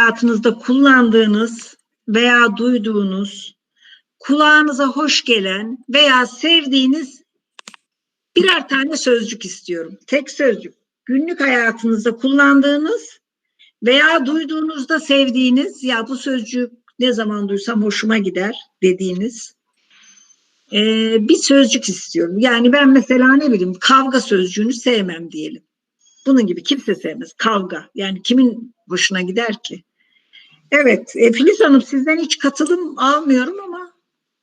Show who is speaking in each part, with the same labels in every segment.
Speaker 1: hayatınızda kullandığınız veya duyduğunuz, kulağınıza hoş gelen veya sevdiğiniz birer tane sözcük istiyorum. Tek sözcük. Günlük hayatınızda kullandığınız veya duyduğunuzda sevdiğiniz, ya bu sözcük ne zaman duysam hoşuma gider dediğiniz bir sözcük istiyorum. Yani ben mesela ne bileyim kavga sözcüğünü sevmem diyelim. Bunun gibi kimse sevmez. Kavga. Yani kimin hoşuna gider ki? Evet. Filiz Hanım sizden hiç katılım almıyorum ama.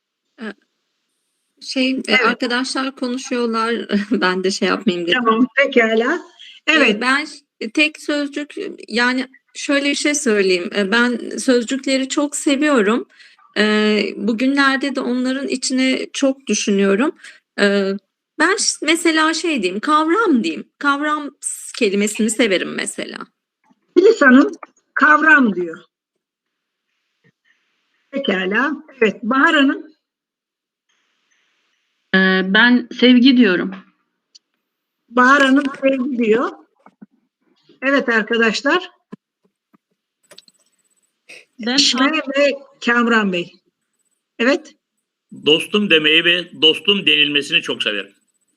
Speaker 2: Evet. Arkadaşlar konuşuyorlar. Ben de şey yapmayayım dedim.
Speaker 1: Tamam. Pekala. Evet.
Speaker 2: Ben tek sözcük, yani şöyle bir şey söyleyeyim. Ben sözcükleri çok seviyorum. Bugünlerde de onların içine çok düşünüyorum. Ben mesela şey diyeyim, kavram diyeyim. Kavram kelimesini severim mesela.
Speaker 1: Filiz Hanım kavram diyor. Pekala. Evet. Bahar Hanım.
Speaker 3: Ben sevgi diyorum.
Speaker 1: Bahar Hanım sevgi diyor. Evet arkadaşlar. Eşme ve Kamran Bey. Evet.
Speaker 4: Dostum demeyi ve dostum denilmesini çok severim.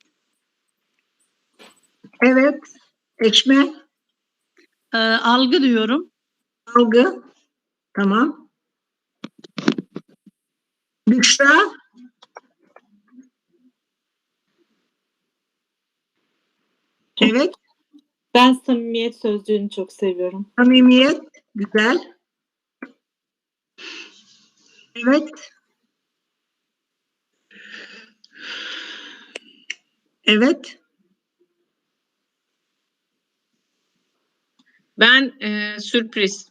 Speaker 1: Evet. Ekşme.
Speaker 3: Algı diyorum.
Speaker 1: Algı. Tamam. Büşra. Evet.
Speaker 5: Ben samimiyet sözcüğünü çok seviyorum.
Speaker 1: Samimiyet. Güzel. Evet. Evet.
Speaker 6: Ben sürpriz.